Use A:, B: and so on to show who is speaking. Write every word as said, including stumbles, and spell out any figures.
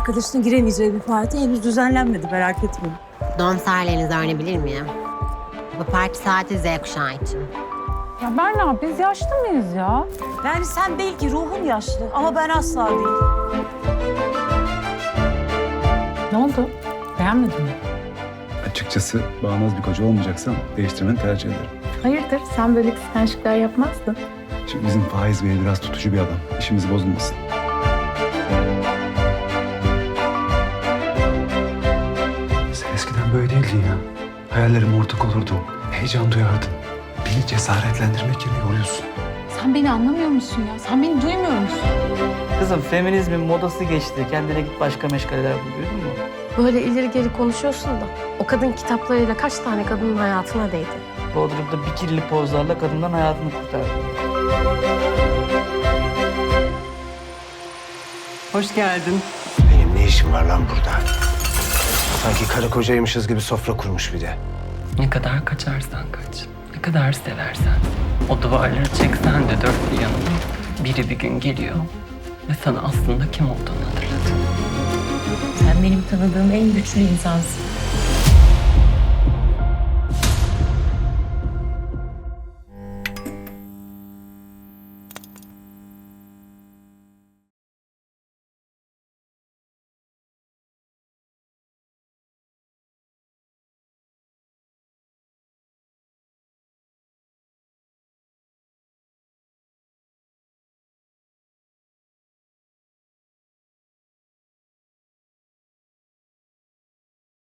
A: arkadaşının giremeyeceği bir parti henüz düzenlenmedi, merak etmeyin.
B: Doğum tarihlerinizi öğrenebilir miyim? Bu parti saati Z kuşağı için.
C: Ya Berna biz yaşlı mıyız ya?
A: Yani sen belki ruhun yaşlı ama ben asla değil.
C: Ne oldu? Beğenmedin mi?
D: Açıkçası bağnaz bir koca olmayacaksan değiştirmeni tercih ederim.
C: Hayırdır? Sen böyle kıskançlıklar yapmazdın.
D: Şimdi bizim Faiz Bey biraz tutucu bir adam. İşimiz bozulmasın. Sen eskiden böyle değildin ya. Hayallerime ortak olurdun. Heyecan duyardın. Beni cesaretlendirmek yerine yoruyorsun.
C: Sen beni anlamıyor musun ya? Sen beni duymuyor musun?
E: Kızım feminizmin modası geçti. Kendine git başka meşgaleler bul, duydun mu?
F: Böyle ileri geri konuşuyorsun da o kadın kitaplarıyla kaç tane kadının hayatına değdi.
E: Bodrum'da bikirli pozlarla kadından hayatını kurtardı.
G: Hoş geldin.
H: Benim ne işim var lan burada? Sanki karı kocaymışız gibi sofra kurmuş bir de.
G: Ne kadar kaçarsan kaç, ne kadar seversen. O duvarları çeksen de dört bir yanına biri bir gün geliyor ve sana aslında kim olduğunu hatırlatır.
I: Sen benim tanıdığım en güçlü insansın.